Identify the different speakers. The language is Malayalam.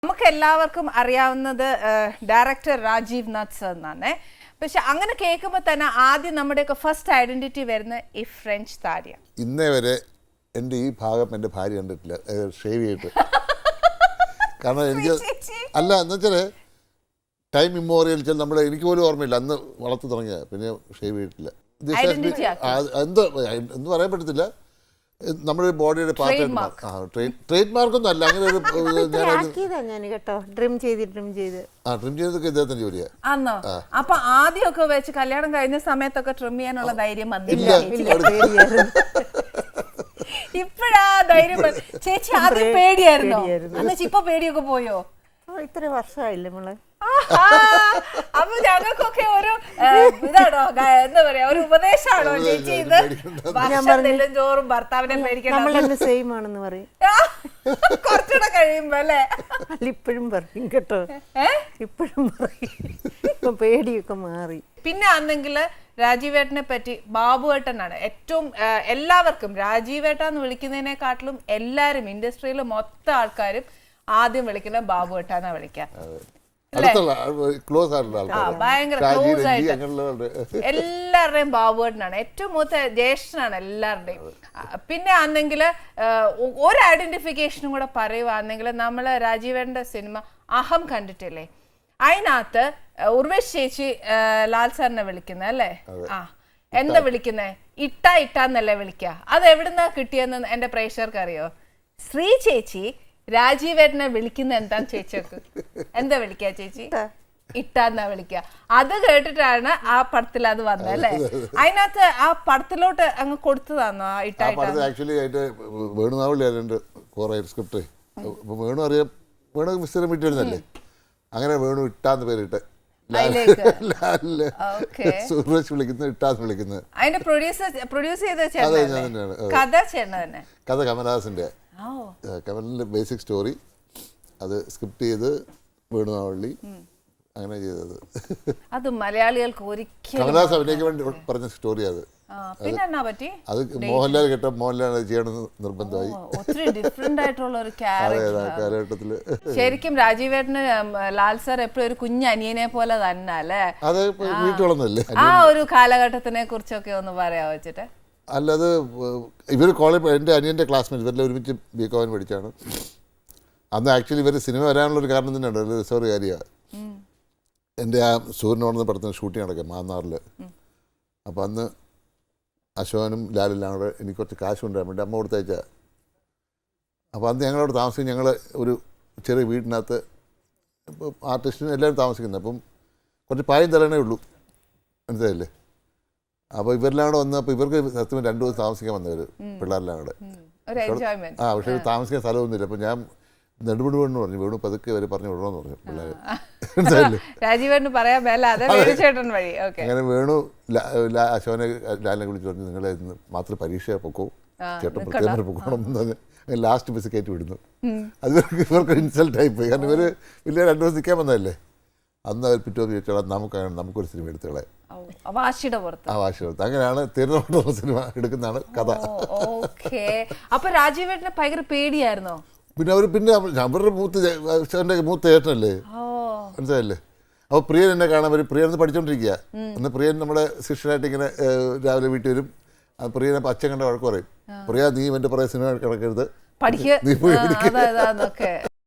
Speaker 1: നമുക്ക് എല്ലാവർക്കും അറിയാവുന്നത് ഡയറക്ടർ രാജീവ് നാഥ് സർ എന്നാണ്. പക്ഷെ അങ്ങനെ കേൾക്കുമ്പോൾ തന്നെ ആദ്യം നമ്മുടെയൊക്കെ ഫസ്റ്റ് ഐഡന്റിറ്റി വരുന്ന ഈ ഫ്രഞ്ച് താടിയ.
Speaker 2: ഇന്നേ വരെ എൻ്റെ ഈ ഭാഗം എൻ്റെ ഭാര്യ കണ്ടിട്ടില്ല ഷേവ് ചെയ്തിട്ട്. കാരണം എനിക്ക് അല്ല എന്ന് വെച്ചാൽ ടൈം ഇമ്മോറിയൽ നമ്മുടെ എനിക്ക് പോലും ഓർമ്മയില്ല അന്ന് വളർത്തി തുടങ്ങിയ പിന്നെ ഷേവ് ചെയ്തിട്ടില്ല. എന്തോ എന്ന് പറയാൻ പറ്റത്തില്ല. നമ്മുടെ ബോഡിയുടെ പാർട്ട് ട്രേഡ് മാർക്കൊന്നും അല്ല. അങ്ങനെ ഒരു
Speaker 1: ട്രിം ചെയ്തൊക്കെ ഇദ്ദേഹത്തിന്റെ ജോലിയാണ്. ആണോ? അപ്പൊ ആദ്യമൊക്കെ വെച്ച് കല്യാണം കഴിഞ്ഞ സമയത്തൊക്കെ ട്രിം ചെയ്യാനുള്ള ധൈര്യം വന്നില്ല. ഇപ്പഴാ ധൈര്യം. ചേച്ചി ആദ്യം പേടിയായിരുന്നോ? എന്നുവെച്ചാ ഇപ്പൊ പേടിയൊക്കെ പോയോ?
Speaker 3: ഇത്ര വർഷമായില്ലേ നമ്മള്.
Speaker 1: അപ്പൊ ഞങ്ങൾക്കൊക്കെ ഒരു ഇതാണോ എന്താ പറയാ ഒരു ഉപദേശമാണോ ചേച്ചി ഇത്? വർഷം ചോറും ഭർത്താവിനെ പേടിക്കണം
Speaker 3: സെയിം ആണെന്ന് പറയും
Speaker 1: കുറച്ചുകൂടെ കഴിയുമ്പോ അല്ലേ?
Speaker 3: അല്ല ഇപ്പോഴും പറയും കേട്ടോ, ഇപ്പോഴും പറയും. ഇപ്പൊ പേടിയൊക്കെ മാറി.
Speaker 1: പിന്നെ ആണെങ്കിൽ രാജീവേട്ടനെ പറ്റി ബാബുവേട്ടനാണ് ഏറ്റവും എല്ലാവർക്കും രാജീവേട്ട എന്ന് വിളിക്കുന്നതിനെക്കാട്ടിലും എല്ലാരും ഇൻഡസ്ട്രിയിലെ മൊത്തം ആൾക്കാരും ആദ്യം വിളിക്കുന്ന ബാബുവേട്ടാന്നാ വിളിക്കാം. ഭയങ്കര ക്ലോസ് ആയിട്ട് എല്ലാവരുടെയും ബാബുവേട്ടനാണ് ഏറ്റവും മൂത്ത ജ്യേഷ്ഠനാണ് എല്ലാവരുടെയും. പിന്നെ ആണെങ്കിൽ ഒരു ഐഡന്റിഫിക്കേഷനും കൂടെ പറയുവാണെങ്കിൽ നമ്മള് രാജീവേട്ടന്റെ സിനിമ അഹം കണ്ടിട്ടില്ലേ? അതിനകത്ത് ഉർവശി ചേച്ചി ലാൽ സാറിനെ വിളിക്കുന്നത് അല്ലേ? എന്താ വിളിക്കുന്നേ? ഇട്ടാന്നല്ലേ വിളിക്ക. അത് എവിടുന്നാ കിട്ടിയെന്ന് എന്റെ പ്രേക്ഷകർക്ക് അറിയോ? ശ്രീ ചേച്ചി രാജീവേട്ടനെ വിളിക്കുന്ന എന്താന്ന് ചേച്ചിക്ക് എന്താ വിളിക്ക? ചേച്ചി ഇട്ടാന്നാ വിളിക്ക. അത് കേട്ടിട്ടാണ് ആ പടത്തിൽ അത് വന്നത് അല്ലേ? അതിനകത്ത് ആ പടത്തിലോട്ട് അങ്ങ് കൊടുത്തതാണോ ആ
Speaker 2: ഇട്ടായിട്ട്? വേണു അറിയാം, വേണു മിസ്റ്റർ വീട്ടിലിരുന്നല്ലേ, അങ്ങനെ വേണു ഇട്ടാന്ന് പേരിട്ട് സുരേഷ് വിളിക്കുന്നത് ഇട്ടാന്ന് വിളിക്കുന്നത്.
Speaker 1: അതിന്റെ പ്രൊഡ്യൂസ് ചെയ്ത
Speaker 2: കഥ കമലഹാസന്റെ. കമലിന്റെ ബേസിക് സ്റ്റോറി അത് സ്ക്രിപ്റ്റ് ചെയ്ത് വേണുനാവള്ളി അങ്ങനെ ചെയ്തത്.
Speaker 1: അത് മലയാളികൾക്ക് ഒരിക്കലും
Speaker 2: കമലഹാസൻ അഭിനയിക്കാൻ വേണ്ടി പറഞ്ഞ സ്റ്റോറി. അത് അത് മോഹൻലാൽ കേട്ട മോഹൻലാൽ ചെയ്യണമെന്ന് നിർബന്ധമായി.
Speaker 1: ഒത്തിരി ഡിഫറെന്റ് ആയിട്ടുള്ള ഒരു കാലഘട്ടത്തില് ശരിക്കും രാജീവേട്ടന് ലാൽ സാർ എപ്പോഴും ഒരു കുഞ്ഞ് അനിയനെ പോലെ തന്നെ അല്ലേ?
Speaker 2: അത് വീട്ടിൽ വളർന്നല്ലേ.
Speaker 1: ആ ഒരു കാലഘട്ടത്തിനെ കുറിച്ചൊക്കെ ഒന്ന് പറയാ വെച്ചിട്ട്.
Speaker 2: അല്ലാതെ ഇവർ കോളേജ് എൻ്റെ അനിയൻ്റെ ക്ലാസ്മേറ്റ് ഇവരെല്ലാം ഒരുമിച്ച് ബികോമിന് പഠിച്ചാണ്. അന്ന് ആക്ച്വലി ഇവർ സിനിമ വരാനുള്ളൊരു കാരണം തന്നെയാണ്, ഒരു റിസർവ് കാര്യമാണ്. എൻ്റെ ആ സൂര്യനോടുന്ന പടത്തിന് ഷൂട്ടിങ് നടക്കുക മാന്നാറിൽ. അപ്പോൾ അന്ന് അശോകനും ലാലെല്ലാം കൂടെ എനിക്ക് കുറച്ച് കാശ് കൊണ്ടുവരാൻ വേണ്ടി അമ്മ കൊടുത്തയച്ചാൽ. അപ്പോൾ അന്ന് ഞങ്ങളവിടെ താമസിക്കും. ഞങ്ങൾ ഒരു ചെറിയ വീടിനകത്ത് ആർട്ടിസ്റ്റിനും എല്ലാവരും താമസിക്കുന്നത്. അപ്പം കുറച്ച് പായം തരണേ ഉള്ളൂ, മനസ്സിലായില്ലേ? അപ്പോൾ ഇവരെല്ലാം കൂടെ വന്നപ്പോൾ ഇവർക്ക് സത്യം 2 ദിവസം താമസിക്കാൻ വന്നവർ പിള്ളേരെല്ലാം കൂടെ. പക്ഷേ താമസിക്കാൻ സ്ഥലമൊന്നുമില്ല. അപ്പോൾ ഞാൻ നെടുപടി വേണമെന്ന് പറഞ്ഞു, വേണു പതുക്കെ അവർ പറഞ്ഞു വിടണമെന്ന് പറഞ്ഞു പിള്ളേർ. അങ്ങനെ വേണു അശോകനെ ലാലിനെ വിളിച്ചു പറഞ്ഞു, നിങ്ങളെ ഇന്ന് മാത്രം പരീക്ഷ പൊക്കോ, ചേട്ടൻ പ്രത്യേകം പൊക്കണം എന്ന് പറഞ്ഞ് ലാസ്റ്റ് ബസ് കയറ്റി വിടുന്നു. അത് ഇവർക്ക് ഇൻസൾട്ടായി പോയി. കാരണം ഇവർ വലിയ 2 ദിവസം നിൽക്കാൻ വന്നതല്ലേ. അന്ന് അവർ പിറ്റോന്ന് ചോദിച്ചോളാം നമുക്കൊരു സിനിമ എടുത്തോളെ.
Speaker 1: വാശിയുടെ പുറത്ത്
Speaker 2: അങ്ങനെയാണ് തിരുവനന്തപുരം സിനിമ എടുക്കുന്നതാണ് കഥ.
Speaker 1: അപ്പൊ രാജീവേട്ടനെ ഭയങ്കര പേടിയായിരുന്നോ?
Speaker 2: പിന്നെ അവരുടെ മൂത്ത ചേട്ടനല്ലേ, മനസ്സിലായില്ലേ? അപ്പോൾ പ്രിയൻ എന്നെ കാണാൻ വരും. പ്രിയൻ പഠിച്ചോണ്ടിരിക്കുക. അന്ന് പ്രിയൻ നമ്മുടെ ശിഷ്യനായിട്ട് ഇങ്ങനെ രാവിലെ വീട്ടിൽ വരും. പ്രിയനെ അച്ഛൻ കണ്ട വഴക്ക് പറയും, പ്രിയ നീ എൻ്റെ പുറകെ സിനിമ കിടക്കരുത്, നീ പോയി